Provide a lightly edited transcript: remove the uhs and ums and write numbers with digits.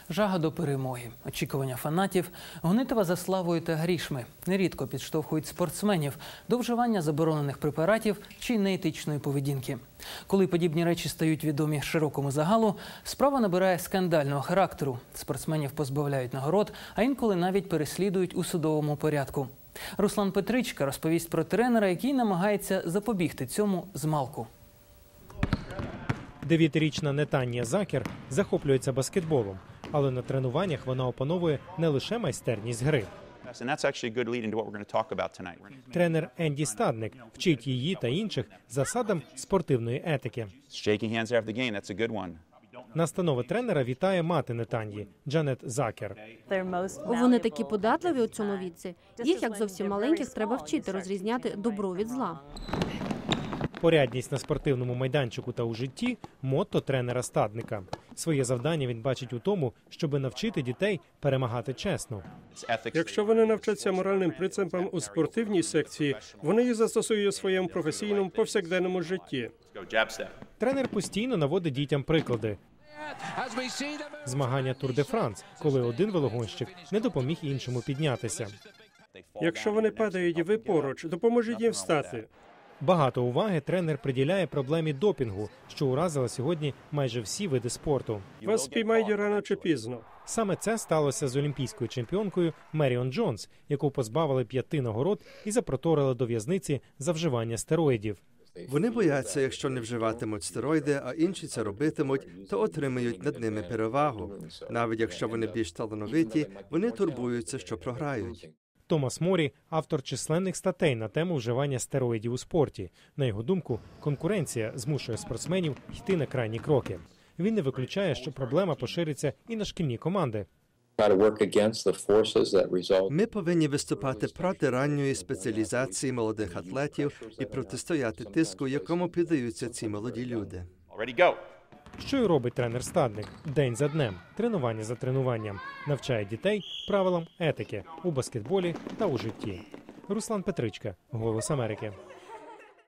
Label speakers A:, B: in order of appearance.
A: Жага до перемоги, очікування фанатів, гонитва за славою та грішми нерідко підштовхують спортсменів до вживання заборонених препаратів чи неетичної поведінки. Коли подібні речі стають відомі широкому загалу, справа набирає скандального характеру. Спортсменів позбавляють нагород, а інколи навіть переслідують у судовому порядку. Руслан Петричка розповість про тренера, який намагається запобігти цьому змалку.
B: 9-річна Нетанія Закер захоплюється баскетболом, але на тренуваннях вона опановує не лише майстерність гри. Тренер Енді Стадник вчить її та інших засадам спортивної етики. Настанови тренера вітає мати Нетанії Джанет Закер.
C: Вони такі податливі у цьому віці. Їх, як зовсім маленьких, треба вчити розрізняти добро від зла.
B: Порядність на спортивному майданчику та у житті – мотто тренера Стадника. Своє завдання він бачить у тому, щоб навчити дітей перемагати чесно.
D: Якщо вони навчаться моральним принципам у спортивній секції, вони їх застосують у своєму професійному повсякденному житті.
B: Тренер постійно наводить дітям приклади. Змагання Тур-де-Франс, коли один велогонщик не допоміг іншому піднятися.
D: Якщо вони падають і ви поруч, допоможіть їм встати.
B: Багато уваги тренер приділяє проблемі допінгу, що уразила сьогодні майже всі види спорту.
D: Вас спіймають рано чи пізно.
B: Саме це сталося з олімпійською чемпіонкою Меріон Джонс, яку позбавили 5 нагород і запроторили до в'язниці за вживання стероїдів.
E: Вони бояться, якщо не вживатимуть стероїди, а інші це робитимуть, то отримають над ними перевагу. Навіть якщо вони більш талановиті, вони турбуються, що програють.
B: Томас Морі – автор численних статей на тему вживання стероїдів у спорті. На його думку, конкуренція змушує спортсменів йти на крайні кроки. Він не виключає, що проблема пошириться і на шкільні команди.
E: Ми повинні виступати проти ранньої спеціалізації молодих атлетів і протистояти тиску, якому піддаються ці молоді люди.
B: Що й робить тренер Стадник день за днем, тренування за тренуванням, навчає дітей правилам етики у баскетболі та у житті. Руслан Петричка, «Голос Америки».